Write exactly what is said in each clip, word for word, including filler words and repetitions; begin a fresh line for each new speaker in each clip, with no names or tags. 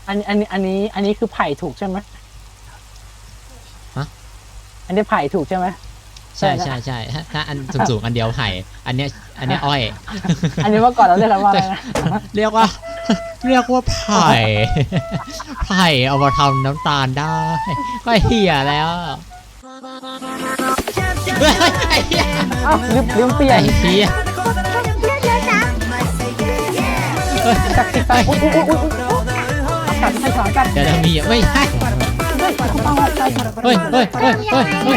อันนี้อันนี้อันนี้อันนี้คือไผ่ถูกใช่ไหม
ฮะ
อันนี้ไผ่ถูกใช่ไหม
ใช่ใช่ใช่ถ้าอันสูงๆอันเดียวไผ่อันเนี้ยอันเนี้ยอ้อย
อันนี้เมื่อก่อนเราเรียกกันว่าอะไรนะ
เรียกว่าเรียกว่าไผ่ไผ่เอามาทำน้ำตาลได้ก็เหี้ยแล้วไอ้เหี้ย
อ้าวลืมลืมเปลี่ย
ไอ้
น
เหี้ย
จากติดตามอุ้ยอุ้ยอุ้ยอุ้ยกัดใส่ขากัด
เดี๋ยวจะมีไม่ใช่เฮ้ยเฮ้ยเฮ้ยเฮ้ยเฮ้ย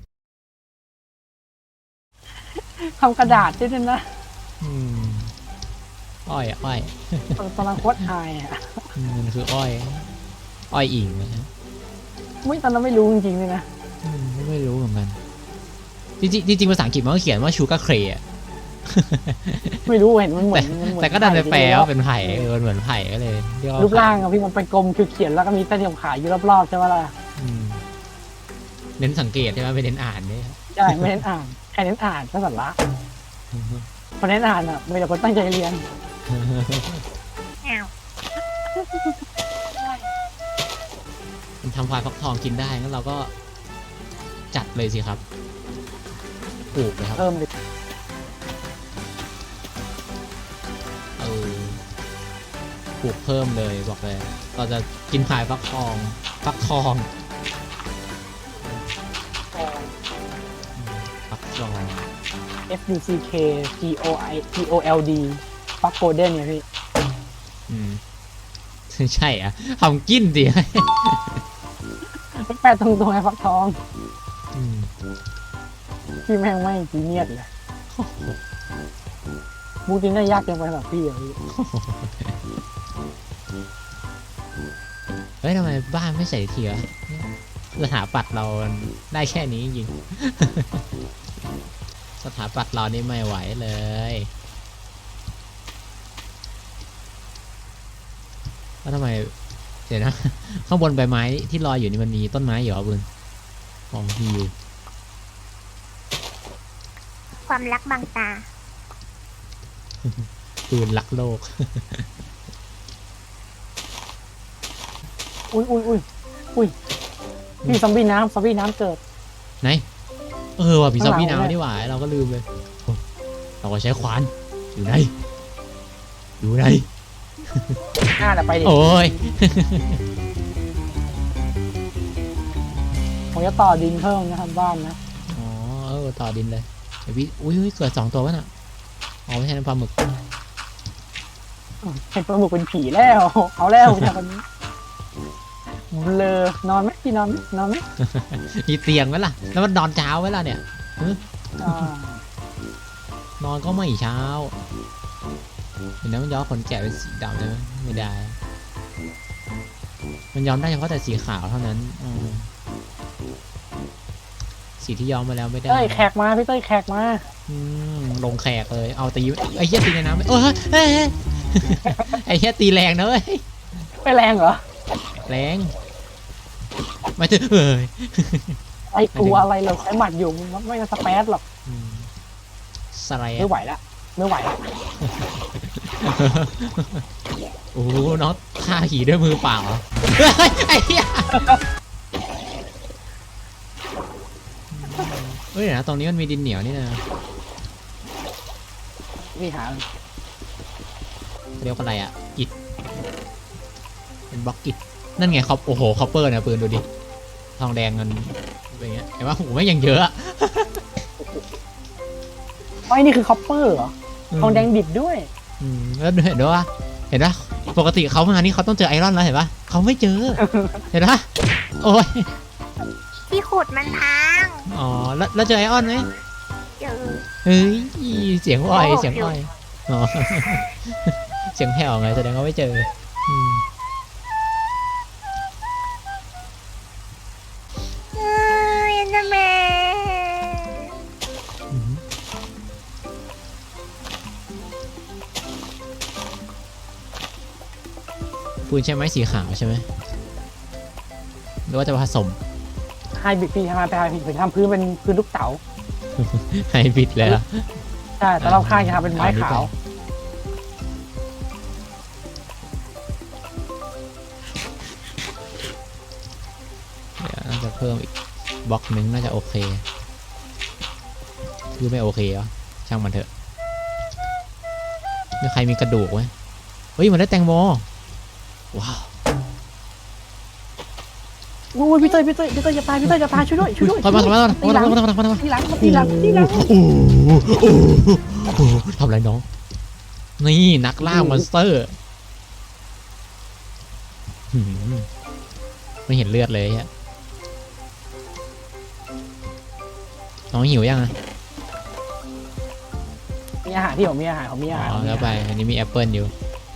ทำกระดาษด้วยนะ
อืมอ้อยอ้อย
ตอนนั้นโคตรอายอ่ะ
มันคืออ้อย อ้อยอิงนะฮะ
ไม่ตอนนั้นไม่รู้จริงๆเลยนะ
อืมไม่รู้เหมือนกันจริงๆจริงๆภาษาอังกฤษมันก็เขียนว่าชูการ์เครอะ
ไม่รู้เห็นมันเหมือนมันเหมือน
แต่ก็ดันไปแปลว่าเป็นไผ่เออเหมือนไผ่ก็เลยเรียกว่า
รูปร่างอะพี่มันเป็นกลมคือเขียนแล้วก็มีเส้นขาวอยู่รอบๆใช่ไหมล่ะ
อืมเน้นสังเกตใช่ไหมไม่เน้นอ่านเนี่ย
ใช่ไม่เน้นอ่านใครเน้นอ่านก็สันละพอเน้นอ่านอ่ะไม่แต่คนตั้งใจเรียน
มันทำควายฟักทองกินได้งั้นเราก็จัดเลยสิครับปลูกเลยครับ
เพิ่มเลย
เออปลูกเพิ่มเลยบอกเลยเราจะกินควายฟักทองฟักทองฟักทอง
F U C K G O I G O L D ฟักโกลเด้นเนี่ยพี่
อืมใช่อ่ะทำกินดิ
แปลตรงๆไอ้ฟักทอง
อืม
พี่แม่งไม่จีเนียสเลยมูจินได้ยากเกินไปสำหรับพี่อะพี่
เฮ้ยทำไมบ้านไม่ใส่ทีวะสถาปัตย์เราได้แค่นี้จริงๆ สถาปัตย์เรานี่ไม่ไหวเลยแล้วทำไมเดี๋ยวนะ ข้างบนใบไม้ที่ลอยอยู่นี่มันมีต้นไม้อยู่เหรอบุญมองฮิว
ความรักบางตา
ปืนรักโลก
อุ้ยอุ้ยอุ้ยอุ้ยพี่ซอมบี้น้ำซอมบี้น้ำเกิด
ไหนเออว่ะผีซอมบี้
ข้างหลัง
น้ำนี่หว่าเราก็ลืมเลยโอ้เราก็ใช้ขวานอยู่ไหนอยู่ไหน
น่าจะไปดิ
โอ้ย
ผมจะต่อดินเพิ่มนะครับบ้านนะ
อ๋อเออต่อดินเลยเดี๋ยวพี่อุ้ยอุ้ยเกิดสองตัววะน่ะอ๋อไม่ใช่น้ำปลาหมึก
เห็นปลาหมึกเป็นผีแล้ว เอาแล้วจากคนนี้เลอนอนไหมพี่นอนไหมนอนไหม
มีเตียงไหมล่ะแล้วมันนอนเช้าไหมล่ะเนี่ย
อ่าน
อนก็ไม่เช้าเห็นไหมมันย้อมขนแกะเป็นสีดำได้ไหมไม่ได้ มันย้อมได้เฉพาะแต่สีขาวเท่านั้นอืมสีที่ย้อมมาแล้วไม่ได้
เต้ยแขกมาพี่เต้ยแขกมา
อืมลงแขกเลยเอาตีไอ้เหี้ยตีในน้ำไม่เออเฮ้ยเฮ้ยไอ้เหี้ยตีแรงนะเว้ย
ไม่แรงเหรอ
แรงไม่ถึงเอ้ย
ไอ้กลัวอะไรเราใช้หมัดอยู่มันไม่จะสเปซหรอก
อืมสไลด์
ไม่ไหวละไม่ไหวละ
โอ้โหน้องฆ่าผีด้วยมือเปล่าเฮ้ยไอ้เหี้ยเฮ้ยเดี๋ยวนะตรงนี้มันมีดินเหนียวนี่นะ
พี่หา
เรียกว่าอะไรอ่ะอิฐเป็นบล็อกอิฐนั่นไงครับโอ้โหคอปเปอร์นะปืนดูดิทองแดงมันเป็นอย่างเงี้ยเห็นว่าโอ้โหไม่ยังเยอะอะ
ไอ้นี่คือคอปเปอร์เหรอทองแดงดิบด้วย
อืมแล้วเห็นด้วยว่าเห็นปะปกติเขามานี่เขาต้องเจอไอรอนแล้วเห็นปะเขาไม่เจอ เห็นปะโอ้ย
ที่ขุดมันพัง
อ๋อแล้วแล้วเจอไอออนไหม
เจอ
เฮ้ยเสียงอ้อยเสียงอ้อยอ๋อ เสียงแผ่วไงแสดงว่าไม่เจออืม
เอ้ยอันนั้นแม่
อืมปูนใช่ไหมสีขาวใช่ไหมหรือว่าจะผสม
ไฮบริดพี่ทำไมไปไฮบริดผมทำพื้นเป็นพื้นลูกเต๋า
ไฮบริดเลยอะ
ใช่แต่รอบข้างจะทำเป็นไม้ขาว
จะเพิ่มอีกบล็อกหนึ่งน่าจะโอเคคือไม่โอเคเหรอช่างมันเถอะมีใครมีกระดูกไหมเฮ้ยมันได้แตงโมว้าว
โอ้ยพี่เต้ยพี่เต้ยพี่เต้ยจะตายพี่เต้ยจะตายช่วยด้วยช่วยด้วย
เข้ามาเข้ามาเข้ามาเข้ามาเข้ามาเข้ามาเข้ามา
ทีหลังทีหลังทีหลัง
โอ้โหโอ้โหทำไรน้องนี่นักล่ามอนสเตอร์หืมไม่เห็นเลือดเลยฮะน้องหิวยังอ่ะ
มีอาหารที่ผมมีอาหารผมมีอาหาร
อ๋อแล้วไปอันนี้มีแอปเปิลอยู่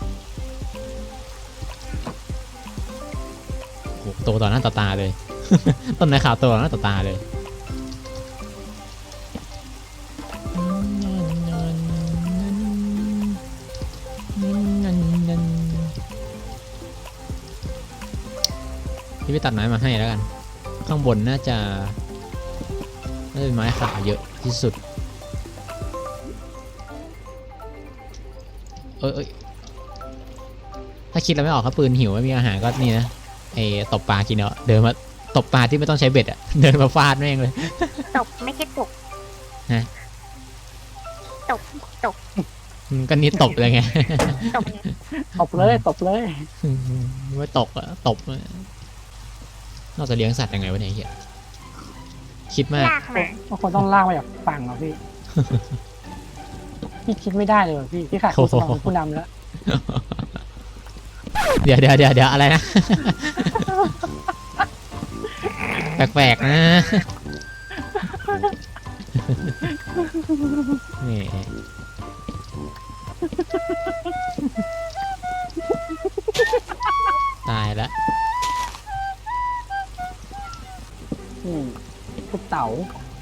โอ้โหโตต่อหน้าต่อตาเลย ต้นไม้ขาวโตต่อหน้าต่อตาเลยพี่ไปตัดไม้มาให้แล้วกันข้างบนน่าจะน่าจะเป็นไม้ขาวเยอะที่สุดเอ้ยเอ้ยถ้าคิดแล้วไม่ออกครับปืนหิวไม่มีอาหารก็นี่นะไอ้ตบปลากินเนาะเดินมาตบปลาที่ไม่ต้องใช้เบ็ดอะ เดินมาฟาดแม่งเลย
ตกไม่ใช่ตก
ฮะ
ตกตก
อืมก็นี่ตบเลยไง
ตก
ตบเลยตบเลย
ไม่ตกอะตบอะนอกจากเลี้ยงสัตว์ยังไงวะเนี่ยเฮียคิดมาก
ลากมา
บางคนต้องลากมาจากฝั่งเหรอพี่พี่คิดไม่ได้เลยว่ะพี่พี่ขาดคุณสมองผู้นำแล้ว
เดี๋ยวเดี๋ยวเดี๋ยวเดี๋ยวอะไรนะ แปลกๆนะนี่ตายแล้ว
อืมทุกเต๋า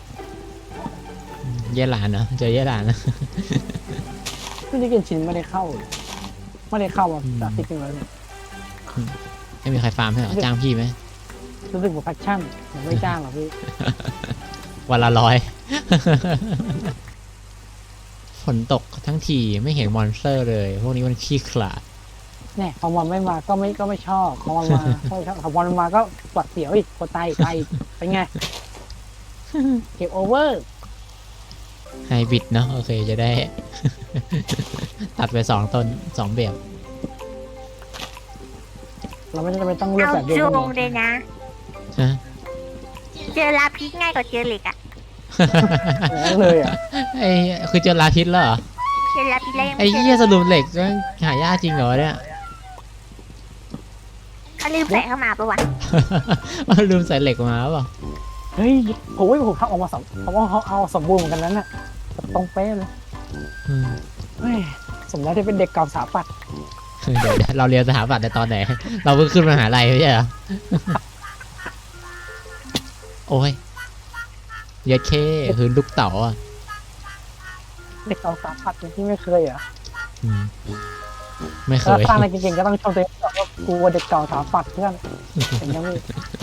เย่หลานเนอะเจอเย่หลานนะ
พี่นี่กินชิ้นไม่ได้เข้าเลยไม่ได้เข้ามาจากที่กินแล้วเนี่ย
ไม่มีใครฟาร์มให้เหรอจ้างพี่ไหม
รู้สึกว่าแพชชั่นยังไม่จ้างหรอกพี่
วันละร้อย ฝนตกทั้งทีไม่เห็นมอนสเตอร์เลย พวกนี้มันขี้ขลาด
เนี่ยพอมันไม่มาก็ไม่ก็ไม่ชอบพอมันมาก็ไม่ชอบพอมันมาก็ปวดเสียวอีกปวดไตไตเป็นไงเก็บโอเวอร์
ไฮบริดเนาะโอเคจะได้ ตัดไปสองต้นสองแบบ
เราไม่จำเป็นต้องเลือก
เอา
แบบเดียว
จู
กัน
งเลยนะ
ฮะ
เจอลาพิษง่ายกว่าเจอเหล็กอะ
เลยอ่ะ
ไอ้คือเจอลาพิษแล้วเหรอ
เจอลาพิษแล้วยัง
ไอ้
ไม่เจ
เหี้ย
อ
สรุปเหล็กมันหายากจริงเหรอเนี่ย
เขาลืมใส่เข้ามาปะวะ
มันลืมใส่เหล็กมาเปล่า
เฮ้ยผมว่าผมทำออกมาสมผมว่าเขาเอาสมบูรณ์เหมือนกันนั้นน่ะตรงเป๊ะเลย
อืม
เฮ้ยสมแล้วที่เป็นเด็กเก่าสถาปัตย์
เดี๋ยวเดี๋ยวเราเรียนสถาปัตย์ในตอนไหน เราเพิ่งขึ้นมหาลัยไม่ใช่เหรอ โอ้ยเยัดเคคือลูกเต๋าอ่ะ
เด็กเก่าสถาปัตย์ที่ไม่เคยเหรอ่ะ
อืมไม่เค
ถ้าย สร้างอะไรเก่งๆก็ต้องชมตัวเองว่ากูเด็กเก่าสถาปัตย์เพื่อนเห็นยังไง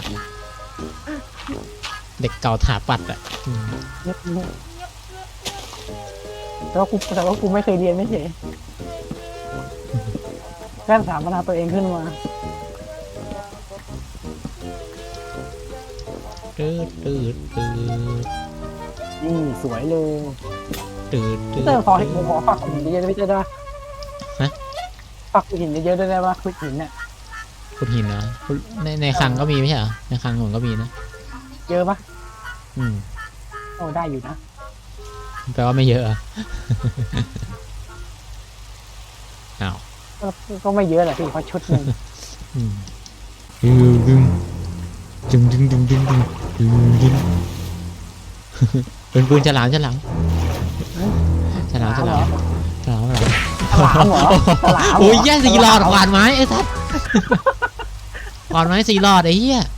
เด็กเก่าถาปัดอ่ะอืม
แต่ว่ากูแต่ว่ากูไม่เคยเรียนไม่เฉยแค่ถามปัญหาตัวเองขึ้นมา
ตืดตืดตืด
นี่สวยเลย
ตืดตื
พี่
ด
เตอร์ขอให้ผมขอฝากหินเยอะๆพี่เตอร์ได้ปะ
ฮะ
ฝากหินเยอะๆได้ไหมคุยหินเนี่ย
ขุดหินนะในในคลังก็มีไม่ใช่เหรอในคลังผมก็มีนะ
เยอะปะ
อืม
โอ้ได้อยู่นะ
แปลว่าไม่เยอะอะ อ้าว
ก็ก็ไม่เยอะแหละพี่เพราะชุดหนึ่ง
อืมดึงดึงดึงดึงดึงดึงดึงดึงเป็นปืนฉลามฉลามฉลามฉลามฉลามฉลาม
ฉลามเหรอฉลามเหร
โอ้ยแย่สี่หลอดขวานไม้ไอ้สัสขวานไม้สี่หลอดไอ้เหี้ย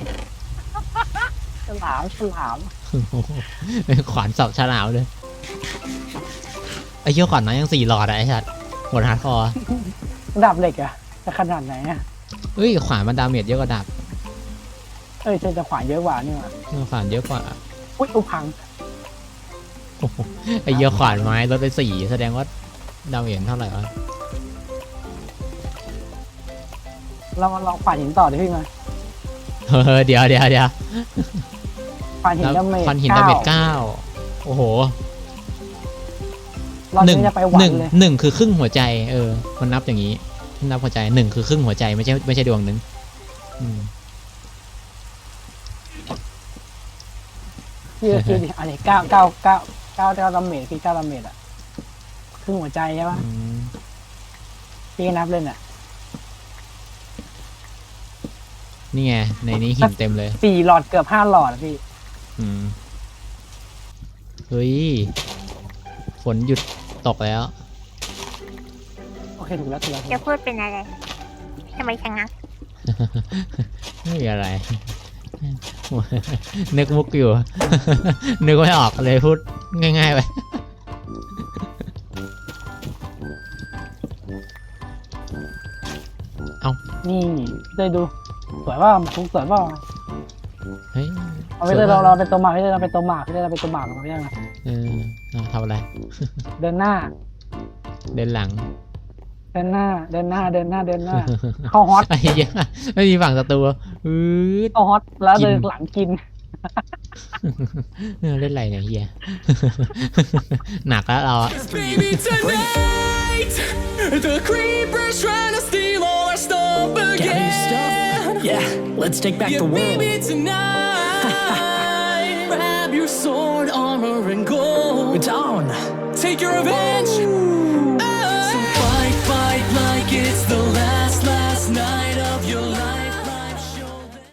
ฉลามฉลาม
เป็นขวานสับฉลามเลยไอ้เหี้ยขวานไม้ยังสี่หลอดอะไอ้สัสหมดฮาร์ดคอร์
ดาบเหล็กอะจะขนาดไหนอะ
เฮ้ยขวานมันดาเมจเยอะกว่าดาบ
เอ้ยเจอจะขวานเยอะกว่านี่หว่า
ขวานเยอะกว่า
อุ้ยอุพัง
โอ้โหไอ้เหี้ยขวานไม้ลดไปสี่แสดงว่าดาเมจเท่าไหร่วะ
เราเราขวานหินต่อดิพี่มา
เออเดี๋ยวเดี๋ยวเดี๋ยว
ฟันหินดาเมจ
ฟันหินดาเมจเก้าโอ้โห
เรา
หนึ่ง
จะไปหวั
ห
น
นึ่ง
เลย
หนึ่งคือครึ่งหัวใจเออมันนับอย่างนี้นับหัวใจหนึ่งคือครึ่งหัวใจไม่ใช่ไม่ใช่ดวงหนึ่งอืม
พี่ก็คิดดิอันนี้เก้าเก้าเก้าเก้าเก้าดาเมจคือเก้าดาเมจอะครึ่งหัวใจใช่ปะ
อืม
พี่ก็นับเล่นอะ
นี่ไงในนี้หินเต็มเลย
สี่หลอดเกือบห้าหลอดอะพี่
อืมเฮ้ยฝนหยุดตกแล้ว
โอเคถูกแล้วถูกแล้วถูก
จะ
แล้ว
พูดเป็นอะไรทำไมชะงัก
ไม่มีอะไร นึกมุกอยู่ นึกไม่ออกเลยพูดง่ายๆไป
นี่พี่เต้ยดูสวยว่าทุกสวยว่า
เฮ้ย
เอาไปเต้ยเราเราเป็นตัวหมากพี่เต้ยเราเป็นตัวหมากพี่เต้ยเราเป็นตัวหมากเราไม่ได้ไง
เออเอาทำอะไร
เดินหน้า
เดินหลัง
เดินหน้า เดินหน้า เดินหน้า เดินหน้า เข้าฮอต
ไอ้เหี้ยไม่มีฝั่งศัตรูอืด
เข้าฮอต แล้ว
กิน
เดินหลังกิน
เออเล่นอะไรเนี่ยเฮีย หนักแล้วเราอะ
Baby, tonight the creepers trying to steal all our stuff again.
Got new stuff? Yeah, let's take back
Yeah,
the world.
baby, tonight grab your sword, armor, and gold.
It's on.
Take your revenge